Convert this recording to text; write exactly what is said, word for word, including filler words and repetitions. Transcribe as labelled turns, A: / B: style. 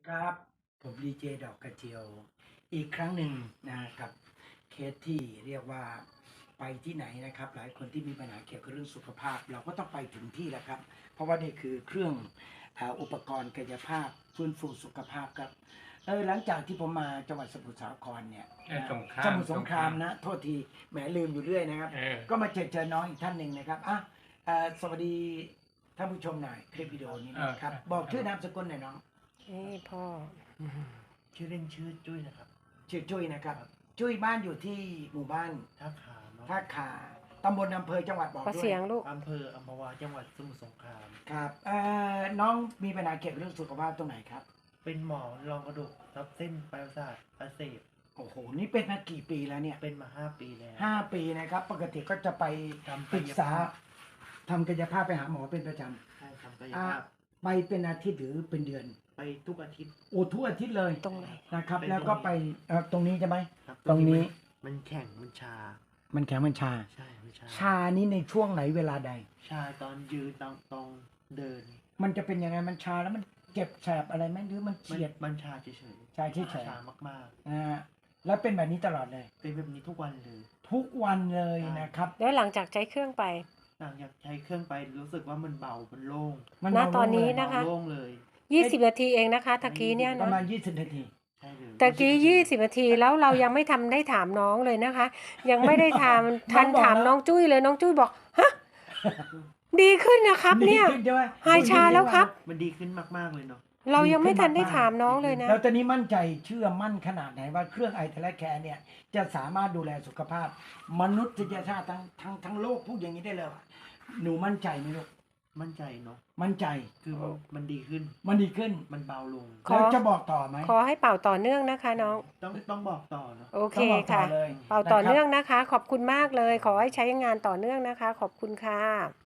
A: ครับผมดีเจดอกกระเจียวอีกครั้งหนึ่งนะครับเคสที่เรียกว่าไปที่ไหนนะครับหลายคนที่มีปัญหาเกี่ยวกับเรื่องสุขภาพเราก็ต้องไปถึงที่แหละครับเพราะว่านี่คือเครื่องอาอุปกรณ์กายภาพฟื้นฟูสุขภาพครับเออหลังจากที่ผมมาจังหวัดสมุทรสาครเนี่ย
B: เออสงคราม
A: สมุทรสงครามนะโทษทีแหมลืมอยู่เรื่อยนะครับ
B: เออ
A: ก็มาเจอเจอน้องอีกท่านหนึ่งนะครับอ่ะเอ่อสวัสดีท่านผู้ชมหน่อยคลิปวิดีโอนี้นะครับบอกชื่อนามสกุลหน่อยน้อง
C: นี่พ่อ
D: ชื่อเล่นชื่อจุ้ยนะครับ
A: ชื่อจุ้ยนะครับ จุ้ยบ้านอยู่ที่หมู่บ้าน
D: ท่าขาเนาะ
A: ท่าขาตำบลอำเภอจังหวัดบอก
C: ขอ
A: ด้ว
C: เสีย
A: ย
C: งลูก
D: อำเภออัมพวาจังหวัดสมุทรสงคราม
A: ครับเอ่อน้องมีปัญหาเกี่ยวกับเรื่องสุขภาพตรงไหนครับ
D: เป็นหมอรองกระดูกทับเส้นปลายประสาทอักเสบ
A: โอ้โหนี่เป็นมากี่ปีแล้วเนี่ย
D: เป็นมาห้าปีแล้ว
A: ห้าปีนะครับ ปกติก็จะไป
D: ทำ
A: ปรึกษาทำกายภาพไปหาหมอเป็นประจ
D: ใช่ทำกาย
A: ำอ่า
D: ภาพ
A: ไปเป็นอาทิตย์หรือเป็นเดือน
D: ไปทุกอาทิตย์
A: โอ้ทุกอาทิตย์เลย
C: ตรงไหน
A: นะครับ
D: เป็น
A: แล้วก็
D: ตรงนี้
A: ไปเอ่อตรงนี้ใช่ไหม
D: ครับ
A: ตรงนี้
D: มันมันแข็งมันชา
A: มันแข็งมันชา
D: ใช่มันชา
A: ชานี้ในช่วงไหนเวลาใด
D: ชาตอนยืนตอนตอนเดิน
A: มันจะเป็นยังไงมันชาแล้วมันเจ็บแสบอะไรไหมหรือมัน
D: มัน
A: เฉียด
D: มันชาเฉย
A: ชาเฉยๆ
D: ชามาก
A: นะฮะแล้วเป็นแบบนี้ตลอดเลย
D: ๆ เป็นแบบนี้ทุกวันเลย
A: ทุกวันเลย
D: ใช่
A: นะครับ
C: แล้วหลังจากใช้เครื่องไป
D: หลังจากใช้เครื่องไปรู้สึกว่ามันเบา มันโล่ง
A: มัน
C: ณ
A: เบา
C: ตอนนี้
A: ลงเลย
C: นะคะ
D: เบาโล่งเลย
C: ยี่สิบนาทีเองนะคะตะกี้เนี่ย
A: ประ
C: นะ
A: มาณยี่สิบนาที
D: ใช่เลย
C: ตะกี้ยี่สิบนาทีแล้วเรายังไม่ทำได้ถามน้องเลยนะคะ ยังไม่ได้ถามทัน
A: น้องบอก
C: ถาม
A: แล้ว
C: น้องจุ้ยเลยน้องจุ้ยบอกฮะดีขึ้นนะครับ เนี่ย
A: ดีขึ้ใช่ไหม
C: หายชาแล้วครับ
D: มันดีขึ้นมากๆเลยเนาะ
C: เรายังไม่ทันได้ถามน้องเลยนะ
A: แล้วตอนนี้มั่นใจเชื่อมั่นขนาดไหนว่าเครื่องไอเทเลแคร์เนี่ยจะสามารถดูแลสุขภาพ มนุษยชาติทั้งทั้งทั้งโลกพูดอย่างนี้ได้เลยว่าหนูมั่นใจไหมลูก
D: มั่นใจเนาะ
A: มั่นใจ
D: คือมันมันดีขึ้น
A: มันดีขึ้น
D: มันเบาลง
C: ขอ
A: แล้วจะบอกต่อไหม
C: ขอให้เป่าต่อเนื่องนะคะน้อง
D: ต้องต้องบอกต่อเนาะ
C: โอเค
A: ต้องบอกต่อ
C: ค่ะ
A: เลย
C: เป่าต่อเนื่อง
A: นะครับ
C: นะคะ ขอบคุณมากเลย ขอให้ใช้งานต่อเนื่องนะคะ ขอบคุณค่ะ